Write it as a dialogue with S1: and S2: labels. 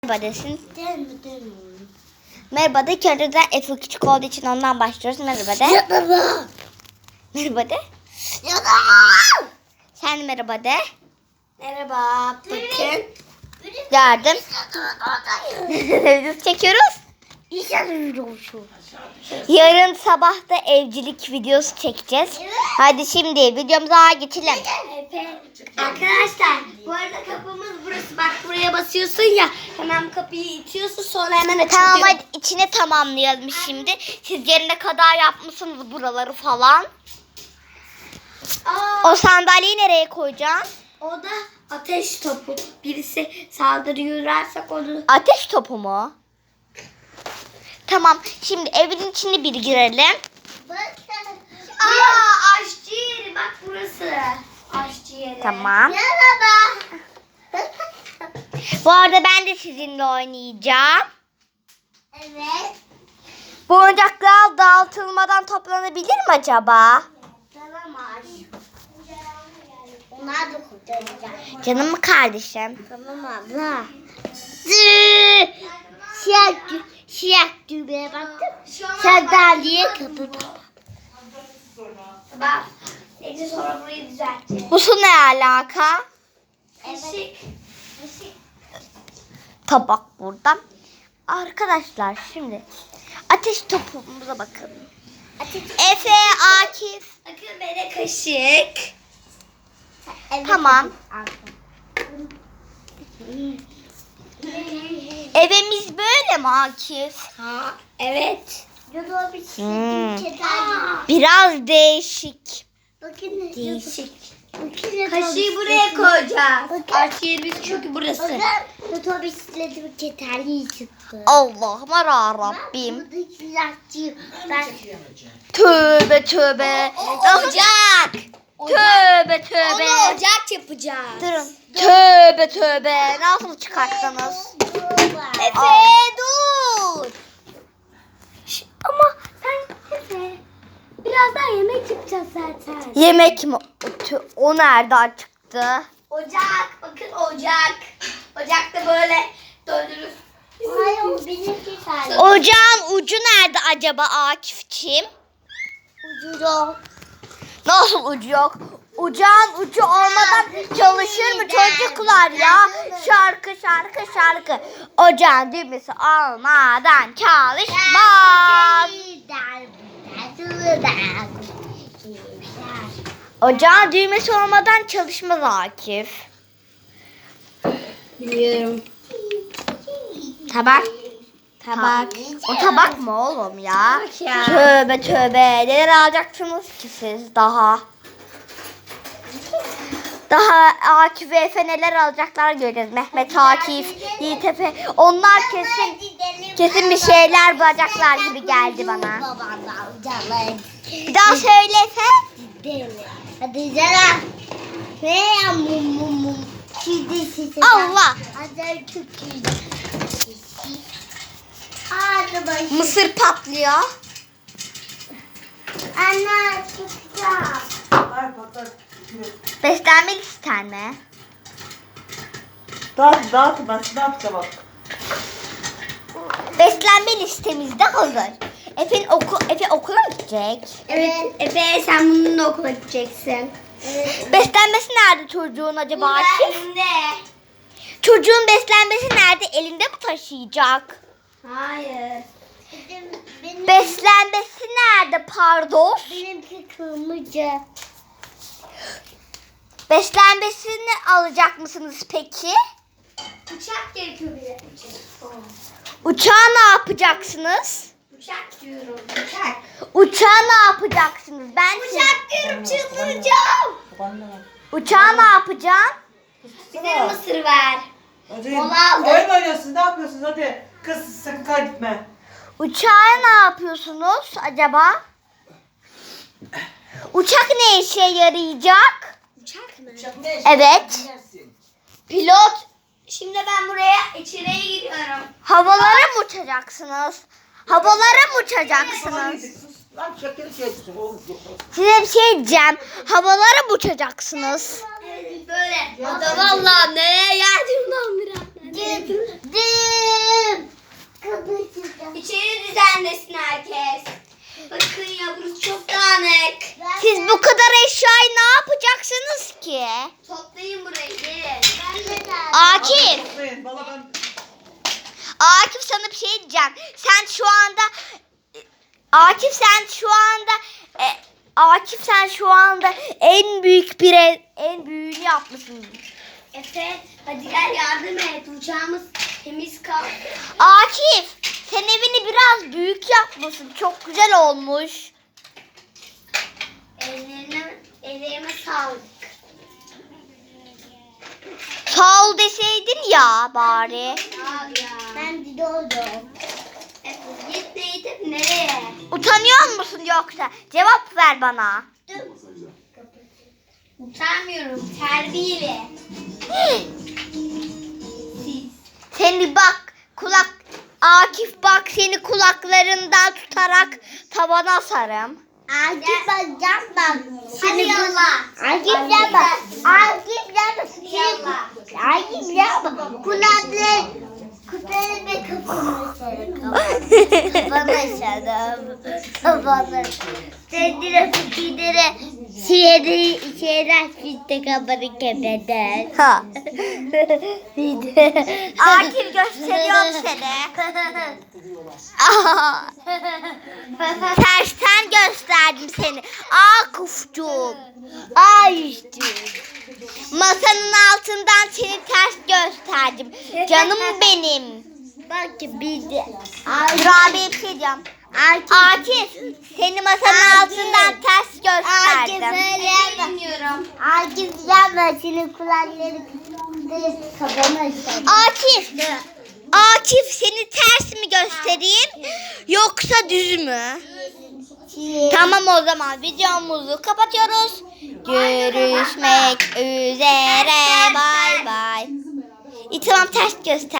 S1: Merhaba desin.
S2: Değil.
S1: Merhaba de. Kendiden Efe küçük olduğu için ondan başlıyoruz. Merhaba de.
S2: Merhaba.
S1: Merhaba de. Sen de merhaba de.
S2: Merhaba. Bakın.
S1: Yardım. Biz çekiyoruz. Yarın sabah da evcilik videosu çekeceğiz. Hadi şimdi videomuza geçelim.
S2: Arkadaşlar bu arada kapımız burası. Bak buraya basıyorsun ya. Hemen kapıyı itiyorsun sonra hemen açılıyor.
S1: Tamam hadi içine tamamlayalım şimdi. Siz yerine kadar yapmışsınız buraları falan. O sandalyeyi nereye koyacaksın?
S2: O da ateş topu. Birisi saldırırlarsak onu...
S1: Ateş topu mu? Tamam şimdi evin içine bir girelim.
S2: Aşçı yeri. Bak burası. Aşçı yeri.
S1: Tamam.
S2: Merhaba.
S1: Bu arada ben de sizinle oynayacağım.
S2: Evet.
S1: Bu oyuncaklar dağıtılmadan toplanabilir mi acaba?
S2: Tamam aşçı. Onlar da kurtaracak.
S1: Canım mı kardeşim?
S2: Tamam abla. Siyah düğmeye baktım. Sandalye kapı. Bak. Neyse sonra burayı düzelteceğiz.
S1: Bu su ne alaka?
S2: Evet.
S1: Tabak burada. Arkadaşlar şimdi ateş topumuza bakın. Efe, Akif.
S2: Bakın bana kaşık.
S1: Tamam. Evimiz böyle mi Akif?
S2: Ha, evet.
S1: Biraz değişik.
S2: Bakın değişik. Kaşığı buraya koyacağız. Aç yerimiz çünkü burası. Bakın otobüslerim yeterli çıktı.
S1: Allah'ım Rabbim.
S2: Buradaki ben
S1: Tövbe tövbe.
S2: ocak.
S1: Tövbe tövbe.
S2: Onu ocak yapacağız.
S1: Durun. Tövbe tövbe. Nasıl çıkarttınız?
S2: Efe dur. Ama sen Efe. Birazdan yemek yapacağız zaten.
S1: Yemek mi? O nereden çıktı?
S2: Ocak. Bakın ocak. Ocakta böyle döndürürüz. Hayır o benimki sadece.
S1: Ocağın ucu nerede acaba Akifçiğim?
S2: Ucu yok.
S1: Nasıl ucu yok? Ocağın ucu olmadan çalışır mı çocuklar ya? Şarkı. Ocağın düğmesi olmadan çalışmaz. Ocağın düğmesi olmadan çalışmaz Akif.
S2: Biliyorum.
S1: Tabak.
S2: Tabak.
S1: O tabak mı oğlum ya?
S2: Tabak ya.
S1: Tövbe tövbe. Neler alacaksınız ki siz daha? Daha Akif ve Efe neler alacaklar göreceğiz. Mehmet, Akif, Yiğit Efe. Onlar kesin bir şeyler bulacaklar gibi geldi bana. Bir daha söyle Efe.
S2: Hadi canım. Ne ya mum.
S1: Allah.
S2: Hadi çok güzel. Hadi bakayım.
S1: Mısır patlıyor.
S2: Anne tutacağım.
S1: Beslenme listen mi?
S3: Dağıt bak.
S1: Beslenme listemizde hazır. Efe okula mı gidecek?
S2: Evet Efe sen bununla okula gideceksin. Evet.
S1: Beslenmesi nerede çocuğun acaba Akif?
S2: Elinde.
S1: Çocuğun beslenmesi nerede? Elinde mi taşıyacak?
S2: Hayır.
S1: Beslenmesi nerede pardon?
S2: Benimki kırmızı.
S1: Beslenmesini alacak mısınız peki?
S2: Uçak gerekiyor bize.
S1: Uçağı ne yapacaksınız?
S2: Uçak diyorum. Uçak.
S1: Uçağı ne yapacaksınız?
S2: Uçak diyorum çıldıracağım.
S1: Uçağı ne yapacaksın?
S2: Bize mısır ver.
S3: Hadi.
S2: Mola aldık.
S3: Oyun oynuyorsun, ne yapıyorsun? Hadi. Kız sakın kaybetme.
S1: Uçağı ne yapıyorsunuz acaba? Uçak ne işe yarayacak?
S2: Uçak mı?
S1: Evet.
S2: Pilot. Şimdi ben buraya içeriye giriyorum.
S1: Havalara mı uçacaksınız? Havalara mı uçacaksınız?
S3: Lan şekeri çeksin oğlum.
S1: Size bir şey diyeceğim. Havalara mı uçacaksınız?
S2: Evet böyle. O da vallahi neye geldim lan biraz. İçeri düzenlesin herkes. Bakın ya burası çok dağınık.
S1: Siz bu kadar eşyayı ne yapacaksınız ki?
S2: Toplayın burayı gelin.
S1: Akif.
S3: Toplayın. Valla ben
S1: Akif sana bir şey diyeceğim. Sen şu anda Akif sen şu anda en büyüğünü yapmışsın.
S2: Efe hadi gel yardım et. Uçağımız temiz kal.
S1: Akif sen evini biraz büyük yapmışsın. Çok güzel olmuş.
S2: Ellerime sağlık.
S1: Sağ ol deseydin ya bari.
S2: Al ya. Ben bir oldum. Efe git neydi nereye?
S1: Utanıyor musun yoksa? Cevap ver bana.
S2: Utanmıyorum terbiyeli. Siz.
S1: Seni bak Akif bak seni kulaklarından tutarak tavana asarım.
S2: Akif bakacağım bak.
S1: Hadi
S2: yallah.
S1: Akif yapma.
S2: Akif yapma. Akif yapma. Kulakları ve kafanı sarın. Kafanı sarın. Kafanı. Kendine fikirlere şeyler fitte kafanı kepeder.
S1: Ha. Akif gösteriyorum seni. Tersten gösterdim seni. Akif'cum. Masanın altından seni ters gösterdim. Canım benim.
S2: Bak bir de.
S1: Dur abi bir şey diyeceğim. Akif seni masanın altından ters gösterdim.
S2: Bilmiyorum. Akif yapma senin kulakları kafanı sarın.
S1: Akif seni ters mi göstereyim yoksa düz mü? Tamam o zaman videomuzu kapatıyoruz. Görüşmek üzere. Bay bay. Tamam ters göster.